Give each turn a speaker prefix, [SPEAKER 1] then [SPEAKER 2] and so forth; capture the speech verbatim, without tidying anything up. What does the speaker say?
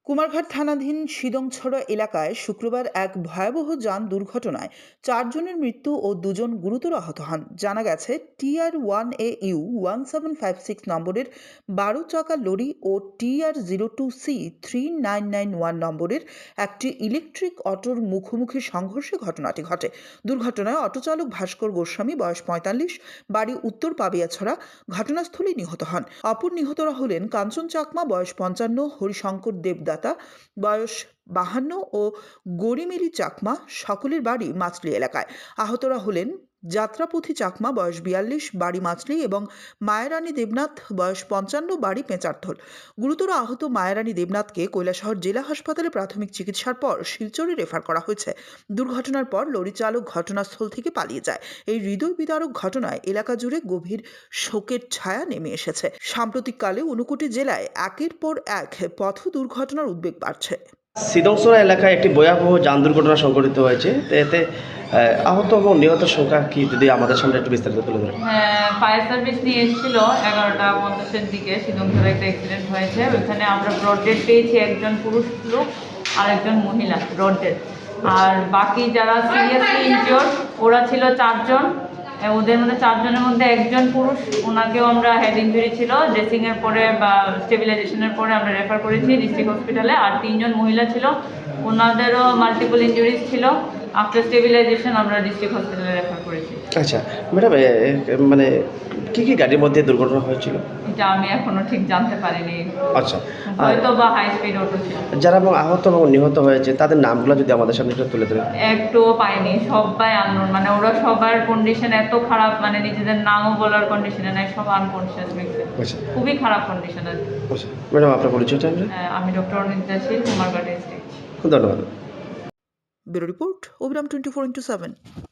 [SPEAKER 1] কুমারঘাট থানাধীন সিদংছড়া এলাকায় শুক্রবার এক ভয়াবহ যান দুর্ঘটনায় চারজনের মৃত্যু ও দুজন গুরুতর আহত হন। জানা গেছে, TR one A U one seven five six নম্বরের বারো চাকা লরি ও TR zero two C three nine nine one নম্বরের একটি ইলেকট্রিক অটোর মুখোমুখি সংঘর্ষে ঘটনাটি ঘটে। দুর্ঘটনায় অটোচালক ভাস্কর গোস্বামী, বয়স পঁয়তাল্লিশ, বাড়ি উত্তর পাবিয়াছড়া, ঘটনাস্থলেই নিহত হন। অপর নিহতরা হলেন কাঞ্চন চাকমা, বয়স পঞ্চান্ন, হরিশঙ্কর দেবদাতা, বয়স বাহান্ন ও গরিমেলি চাকমা, সকলের বাড়ি মাছলি এলাকায়। আহতরা হলেন যাত্রাপথী চাকমা, বয়স বিয়াল্লিশ, বাড়ি মাছলি, এবং মায়ারানী দেবনাথ, বয়স পঞ্চান্ন, বাড়ি পেঁচারথল। গুরুতর আহত মায়ারানী দেবনাথকে কৈলাসহর জেলা হাসপাতালে প্রাথমিক চিকিৎসার পর শিলচরে রেফার করা হয়েছে। দুর্ঘটনার পর লরি চালক ঘটনাস্থল থেকে পালিয়ে যায়। এই হৃদয় বিদারক ঘটনায় এলাকা জুড়ে গভীর শোকের ছায়া নেমে এসেছে। সাম্প্রতিককালে ঊনকোটি জেলায় একের পর এক পথ দুর্ঘটনার উদ্বেগ বাড়ছে।
[SPEAKER 2] সিদংছড়া এলাকায় একটি ভয়াবহ যান দুর্ঘটনা সংঘটিত হয়েছে। এতে আহত এবং নিহত সংখ্যা কি যদি আমাদের সামনে একটু বিস্তারিত তুলে ধরেন।
[SPEAKER 3] হ্যাঁ, ফায়ার সার্ভিস নিয়ে এসেছিল এগারোটা পঞ্চাশের দিকে। সিদংছড়া একটা অ্যাক্সিডেন্ট হয়েছে, ওইখানে আমরা ব্রড ডেড পেয়েছি একজন পুরুষ লোক আর একজন মহিলা ব্রড ডেড। আর বাকি যারা সিরিয়াসলি ইনজিওর্ড ওরা ছিল চারজন। ওদের মধ্যে চারজনের মধ্যে একজন পুরুষ, ওনাকেও আমরা হেড ইঞ্জুরি ছিল, ড্রেসিংয়ের পরে বা স্টেবিলাইজেশনের পরে আমরা রেফার করেছি ডিস্ট্রিক্ট হসপিটালে। আর তিনজন মহিলা ছিল, ওনাদেরও মাল্টিপল ইঞ্জুরিজ ছিল। আফটার স্টেবিলাইজেশন আমরা ডিস্ট্রিক্ট হসপিটালে রেফার করেছি।
[SPEAKER 2] আচ্ছা ম্যাডাম, মানে কি কি গাড়ির মধ্যে দুর্ঘটনা হয়েছিল
[SPEAKER 3] এটা আমি এখনো ঠিক জানতে পারিনি।
[SPEAKER 2] আচ্ছা,
[SPEAKER 3] হয়তো বা হাই স্পিড অটো ছিল।
[SPEAKER 2] যারা এবং আহত এবং নিহত হয়েছে তাদের নামগুলো যদি আমাদের সামনে একটু তুলে ধরেন।
[SPEAKER 3] একটুও পাইনি, সবাই আননোন, মানে ওরা সবার কন্ডিশন এত খারাপ, মানে নিজেদের নামও বলার কন্ডিশনে নাই, সব আনকনসিয়াস ব্যক্তি।
[SPEAKER 2] আচ্ছা,
[SPEAKER 3] খুবই খারাপ কন্ডিশন আছে।
[SPEAKER 2] আচ্ছা ম্যাডাম, আপনার পরিচয়টা?
[SPEAKER 3] আমি ডক্টর অনিতা শীল, কুমারঘাট ডিস্ট্রিক্ট।
[SPEAKER 2] ধন্যবাদ।
[SPEAKER 1] Bureau report, Abiram twenty four into seven.